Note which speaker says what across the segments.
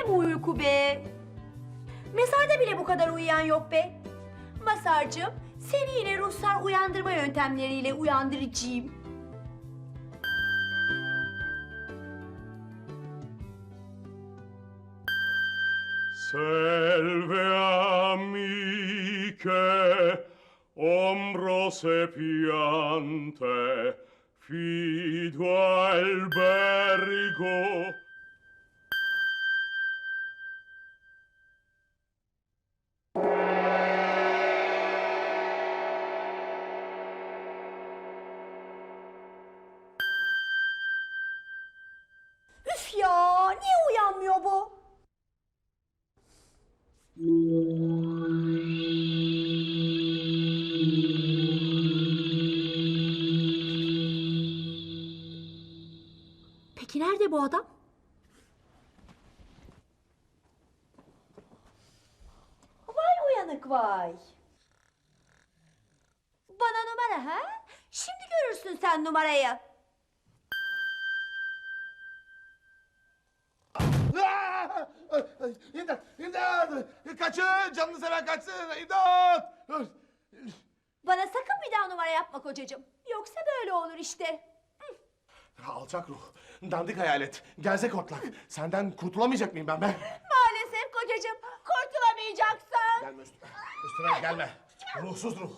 Speaker 1: ne bu uyku be? Mezarda bile bu kadar uyuyan yok be. Masarcığım, seni yine ruhsar uyandırma yöntemleriyle uyandıracağım.
Speaker 2: Selve amiche, ombro sepiante, fido albergo.
Speaker 1: Üf ya, niye uyanmıyor bu? Peki nerede bu adam? Vay uyanık vay. Bana numara ha? Şimdi görürsün sen numarayı.
Speaker 3: İmdat! İmdat! Kaçın! Canını seven kaçsın! İmdat!
Speaker 1: Bana sakın bir daha numara yapma kocacığım. Yoksa böyle olur işte.
Speaker 3: Alçak ruh, dandik hayalet, gerzek otlak. Senden kurtulamayacak mıyım ben be?
Speaker 1: Maalesef kocacığım, kurtulamayacaksın.
Speaker 3: Gelme üstüme gelme. Ruhsuz ruh.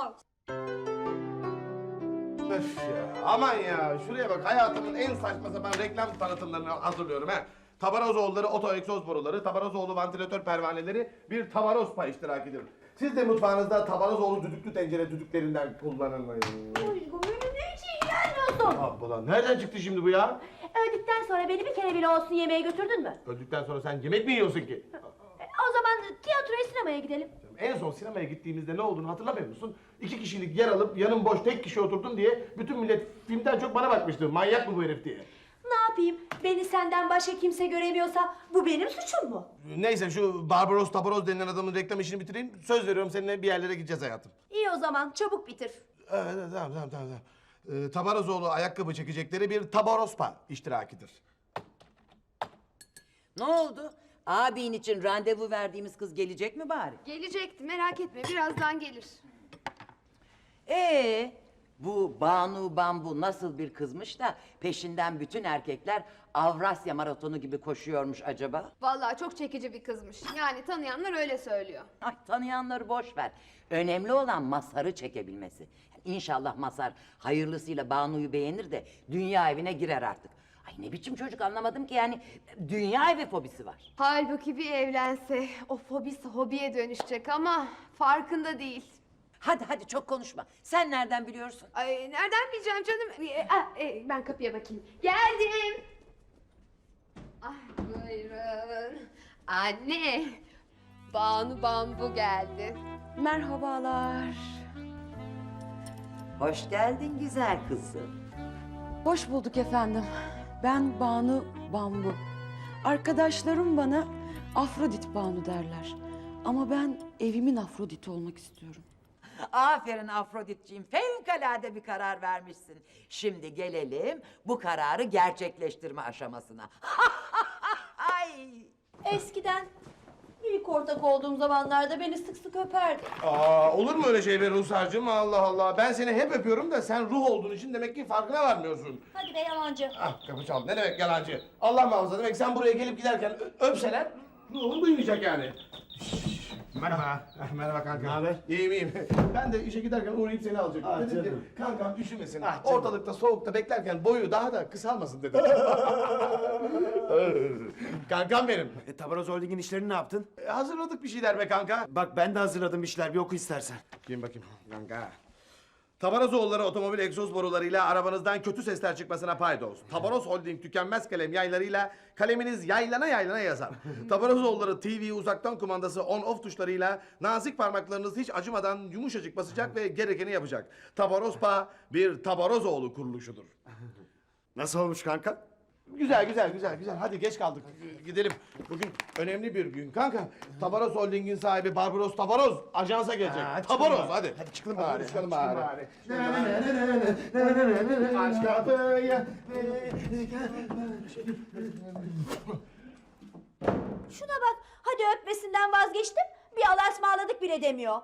Speaker 3: Öf ya, aman ya. Şuraya bak, hayatımın en saçma sapan reklam tanıtımlarını hazırlıyorum ha. Tabarozoğulları oto egzoz boruları, Tabarozoğlu vantilatör pervaneleri bir Tabaroz pay iştirakidir. Siz de mutfağınızda Tabarozoğlu düdüklü tencere düdüklerinden kullanın.
Speaker 1: Uygun önüne hiç iyi gelmiyorsun.
Speaker 3: Abla, nereden çıktı şimdi bu ya?
Speaker 1: Öldükten sonra beni bir kere bile olsun yemeğe götürdün mü?
Speaker 3: Öldükten sonra sen yemek mi yiyorsun ki?
Speaker 1: O zaman tiyatroya, sinemaya gidelim.
Speaker 3: En son sinemaya gittiğimizde ne olduğunu hatırlamıyor musun? 2 kişilik yer alıp yanım boş tek kişi oturdum diye bütün millet filmden çok bana bakmıştı. Manyak mı bu herif diye.
Speaker 1: Ne yapayım? Beni senden başka kimse göremiyorsa bu benim suçum mu?
Speaker 3: Neyse şu Barbaros Tabaroz denilen adamın reklam işini bitireyim. Söz veriyorum seninle bir yerlere gideceğiz hayatım.
Speaker 1: İyi o zaman çabuk bitir.
Speaker 3: Evet, tamam. Tabarozoğlu ayakkabı çekecekleri bir Tabarospa iştirakidir.
Speaker 4: Ne oldu? Abin için randevu verdiğimiz kız gelecek mi bari?
Speaker 5: Gelecekti, merak etme, birazdan gelir.
Speaker 4: Bu Banu Bambu nasıl bir kızmış da peşinden bütün erkekler Avrasya maratonu gibi koşuyormuş acaba?
Speaker 5: Vallahi çok çekici bir kızmış. Yani tanıyanlar öyle söylüyor.
Speaker 4: Ay, tanıyanları boş ver. Önemli olan Mazhar'ı çekebilmesi. İnşallah Mazhar hayırlısıyla Banu'yu beğenir de dünya evine girer artık. Ay ne biçim çocuk anlamadım ki, yani dünya evi fobisi var.
Speaker 5: Halbuki bir evlense o fobisi hobiye dönüşecek ama farkında değil.
Speaker 4: Hadi çok konuşma. Sen nereden biliyorsun?
Speaker 5: Ay nereden bileceğim canım? Ben kapıya bakayım. Geldim. Ay buyurun. Anne, Banu Bambu geldi.
Speaker 6: Merhabalar.
Speaker 4: Hoş geldin güzel kızım.
Speaker 6: Hoş bulduk efendim. Ben Banu Bambu. Arkadaşlarım bana Afrodit Banu derler. Ama ben evimin Afrodit'i olmak istiyorum.
Speaker 4: Aferin Afroditciğim, fevkalade bir karar vermişsin. Şimdi gelelim bu kararı gerçekleştirme aşamasına. Ay!
Speaker 1: Eskiden ilk ortak olduğum zamanlarda beni sık sık öperdi.
Speaker 3: Olur mu öyle şey be Ruhsar'cığım? Allah Allah. Ben seni hep öpüyorum da sen ruh olduğun için demek ki farkına varmıyorsun.
Speaker 1: Hadi be yalancı.
Speaker 3: Ah kapı çaldı. Ne demek yalancı? Allah muhafaza, demek sen buraya gelip giderken öpseler ruhun duymayacak yani. Merhaba. Merhaba kanka.
Speaker 7: Ne haber?
Speaker 3: İyiyim. Ben de işe giderken uğrayıp seni alacaktım.
Speaker 7: Ah,
Speaker 3: Dedim ki
Speaker 7: canım.
Speaker 3: kankam üşümesin.
Speaker 7: Ah, canım.
Speaker 3: Ortalıkta soğukta beklerken boyu daha da kısalmasın dedim. Kankam benim.
Speaker 7: Tabaroz Holding'in işlerini ne yaptın?
Speaker 3: Hazırladık bir şeyler be kanka.
Speaker 7: Bak ben de hazırladım işler, bir oku istersen.
Speaker 3: Kim bakayım kanka. Tabarozoğulları otomobil egzoz borularıyla arabanızdan kötü sesler çıkmasına paydos. Tabaroz Holding tükenmez kalem yaylarıyla kaleminiz yaylana yaylana yazar. Tabarozoğulları TV uzaktan kumandası on off tuşlarıyla nazik parmaklarınız hiç acımadan yumuşacık basacak ve gerekeni yapacak. Tabarospa bir Tabarozoğlu kuruluşudur.
Speaker 7: Nasıl olmuş kanka?
Speaker 3: Güzel. Hadi geç kaldık. Gidelim. Bugün önemli bir gün. Kanka, Tabaroz Holding'in sahibi Barbaros Tabaroz ajansa gelecek.
Speaker 7: hadi
Speaker 3: Tabaroz
Speaker 7: çıkalım
Speaker 3: hadi.
Speaker 7: Hadi çıkalım
Speaker 3: Hadi
Speaker 7: bari.
Speaker 3: çıkalım
Speaker 7: hadi
Speaker 3: bari.
Speaker 7: bari.
Speaker 3: Aç kapıyı.
Speaker 1: Şuna bak, hadi öpmesinden vazgeçtim, bir Allah'a ısmarladık bile demiyor.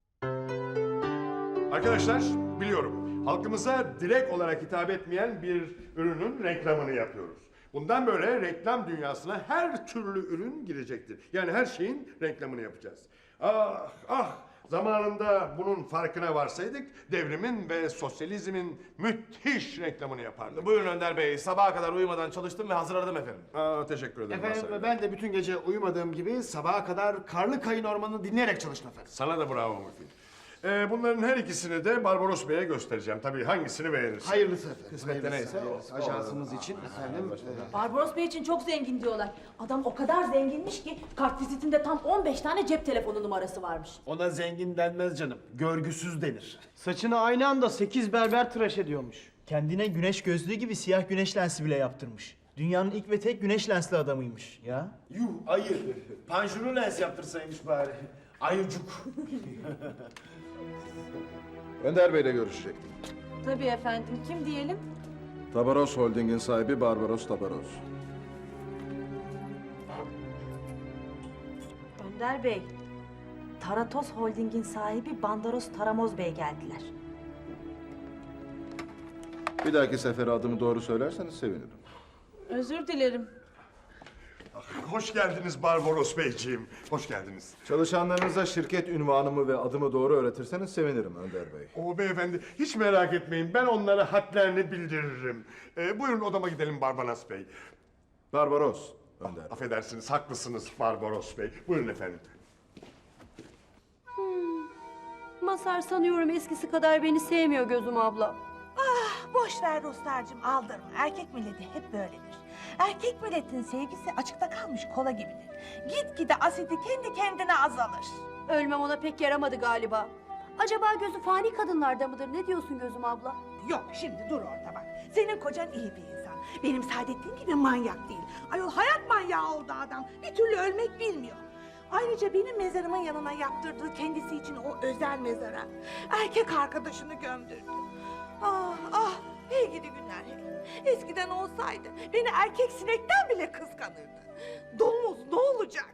Speaker 8: Arkadaşlar biliyorum halkımıza direkt olarak hitap etmeyen bir ürünün reklamını yapıyoruz. Bundan böyle reklam dünyasına her türlü ürün girecektir. Yani her şeyin reklamını yapacağız. Ah ah zamanında bunun farkına varsaydık devrimin ve sosyalizmin müthiş reklamını yapardık.
Speaker 3: Buyurun Önder Bey, sabaha kadar uyumadan çalıştım ve hazırladım efendim.
Speaker 8: Teşekkür ederim.
Speaker 7: Efendim
Speaker 8: Mazhar Bey.
Speaker 7: ben de bütün gece uyumadığım gibi sabaha kadar Karlı Kayın Ormanı'nı dinleyerek çalıştım efendim.
Speaker 8: Sana da bravo Müfit. Bunların her ikisini de Barbaros Bey'e göstereceğim. Tabii hangisini beğenirsin.
Speaker 7: Hayırlısı efendim.
Speaker 3: Kısmette neyse.
Speaker 7: Ajansımız için efendim.
Speaker 9: Barbaros Bey için çok zengin diyorlar. Adam o kadar zenginmiş ki kartvizitinde tam 15 tane cep telefonu numarası varmış.
Speaker 7: Ona zengin denmez canım. Görgüsüz denir.
Speaker 10: Saçını aynı anda 8 berber tıraş ediyormuş. Kendine güneş gözlüğü gibi siyah güneş lensi bile yaptırmış. Dünyanın ilk ve tek güneş lensli adamıymış ya.
Speaker 7: Yuh ayı. Panjuru lens yaptırsaymış bari. Ayıcuk.
Speaker 11: Önder Bey'le görüşecektim.
Speaker 9: Tabii efendim. Kim diyelim?
Speaker 11: Tabaros Holding'in sahibi Barbaros Tabaros.
Speaker 9: Önder Bey. Taratos Holding'in sahibi Bandaros Taramoz Bey geldiler.
Speaker 11: Bir dahaki sefere adımı doğru söylerseniz sevinirim.
Speaker 9: Özür dilerim.
Speaker 8: Hoş geldiniz Barbaros Beyciğim. Hoş geldiniz.
Speaker 11: Çalışanlarınıza şirket ünvanımı ve adımı doğru öğretirseniz sevinirim Önder Bey.
Speaker 8: O beyefendi hiç merak etmeyin. Ben onlara hadlerini bildiririm. Buyurun odama gidelim Barbaros Bey.
Speaker 11: Barbaros Önder Bey.
Speaker 8: Affedersiniz haklısınız Barbaros Bey. Buyurun efendim.
Speaker 1: Mazhar sanıyorum eskisi kadar beni sevmiyor gözüm abla.
Speaker 12: Boş ver Ruslarcığım, aldırma. Erkek milleti hep böyledir. Erkek milletin sevgisi açıkta kalmış kola gibidir. Gitgide asidi kendi kendine azalır.
Speaker 1: Ölmem ona pek yaramadı galiba. Acaba gözü fani kadınlarda mıdır? Ne diyorsun gözüm abla?
Speaker 12: Yok şimdi dur orada bak. Senin kocan iyi bir insan. Benim Saadettin gibi manyak değil. Ayol hayat manyağı oldu adam. Bir türlü ölmek bilmiyor. Ayrıca benim mezarımın yanına yaptırdığı kendisi için o özel mezara erkek arkadaşını gömdürdü. Ah ah hey gidi günler hey. Eskiden olsaydı beni erkek sinekten bile kıskanırdı. Domuz ne olacak?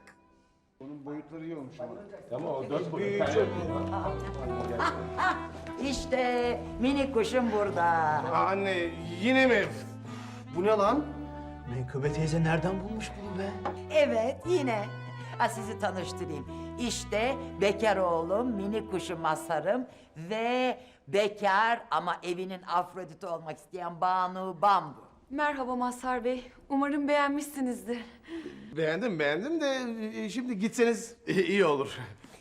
Speaker 4: İşte minik kuşum burada.
Speaker 3: Anne yine mi?
Speaker 7: Bu ne lan?
Speaker 10: Menkıbe teyze nereden bulmuş bunu be?
Speaker 4: Evet yine. Sizi tanıştırayım. İşte bekar oğlum, minik kuşum Mazhar'ım ve bekar ama evinin Afrodit'i olmak isteyen Banu Bambu.
Speaker 6: Merhaba Mazhar Bey. Umarım beğenmişsinizdir.
Speaker 3: Beğendim de şimdi gitseniz iyi olur.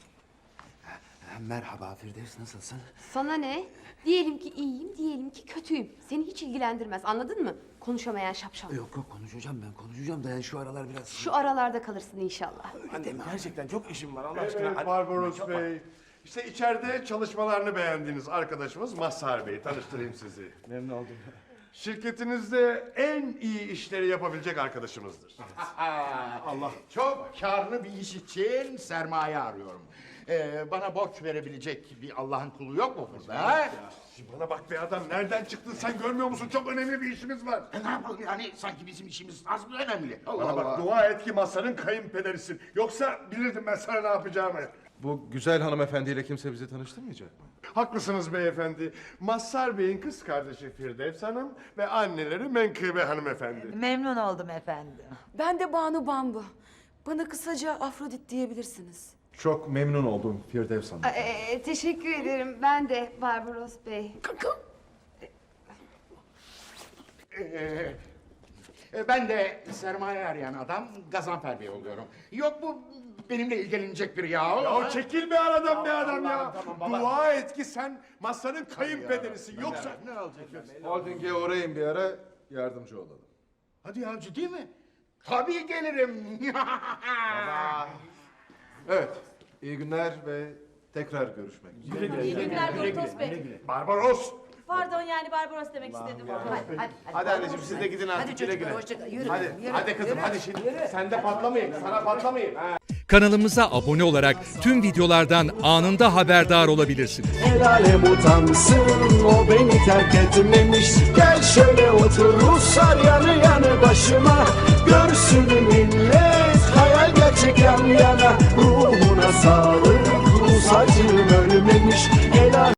Speaker 7: Merhaba Firdevs, nasılsın?
Speaker 5: Sana ne? Diyelim ki iyiyim, diyelim ki kötüyüm. Seni hiç ilgilendirmez, anladın mı? Konuşamayan şapşal.
Speaker 7: Yok konuşacağım da yani şu aralar biraz...
Speaker 5: Şu aralarda kalırsın inşallah.
Speaker 3: Annem gerçekten çok işim var Allah aşkına.
Speaker 8: Evet Barbaros Bey. İşte içeride çalışmalarını beğendiğiniz arkadaşımız Mazhar Bey. Tanıştırayım sizi.
Speaker 3: Memnun oldum.
Speaker 8: Şirketinizde en iyi işleri yapabilecek arkadaşımızdır.
Speaker 13: Allah. Çok karlı bir iş için sermaye arıyorum. Bana borç verebilecek bir Allah'ın kulu yok mu burada? Ha?
Speaker 8: Bana bak be adam nereden çıktın sen görmüyor musun? Çok önemli bir işimiz var.
Speaker 13: Ne yapalım yani sanki bizim işimiz az mı önemli?
Speaker 8: Bana bak dua et ki Mazhar'ın kayınpederisin. Yoksa bilirdim ben sana ne yapacağımı.
Speaker 11: Bu güzel hanımefendiyle kimse bizi tanıştırmayacak mı?
Speaker 8: Haklısınız beyefendi. Mazhar Bey'in kız kardeşi Firdevs Hanım ve anneleri Menkıbe hanımefendi.
Speaker 4: Memnun oldum efendim.
Speaker 6: Ben de Banu Bambu. Bana kısaca Afrodit diyebilirsiniz.
Speaker 11: Çok memnun oldum Firdevs Hanım.
Speaker 5: Teşekkür ederim. Ben de Barbaros Bey.
Speaker 13: Ben de sermaye arayan adam Gazanfer Bey oluyorum. Yok bu benimle ilgilenecek biri ya.
Speaker 8: Ya çekil be aradan be adam ya.
Speaker 13: Tamam, baba.
Speaker 8: Dua et ki sen Mazhar'ın kayınpederisin. Yoksa...
Speaker 13: Ne olacak?
Speaker 11: Holding'e uğrayın bir ara yardımcı olalım.
Speaker 13: Hadi ya ciddi mi? Tabii gelirim.
Speaker 11: Evet, iyi günler ve tekrar görüşmek üzere.
Speaker 9: İyi günler Doktor Bey.
Speaker 8: Barbaros!
Speaker 9: Pardon yani Barbaros demek istedim.
Speaker 3: Hadi anneciğim siz de gidin artık
Speaker 4: Hadi
Speaker 3: güle
Speaker 4: çocuklar
Speaker 3: güle.
Speaker 4: hoşça kal. Yürü.
Speaker 3: Hadi,
Speaker 4: yürü,
Speaker 3: hadi kızım
Speaker 4: yürü.
Speaker 3: hadi şimdi. Sen de patlamayayım, sana patlamayayım. Ha.
Speaker 2: Kanalımıza abone olarak tüm videolardan anında haberdar olabilirsiniz.
Speaker 10: El alem utansın, o beni terk etmemiş. Gel şöyle otur Ruslar yanı yanı başıma.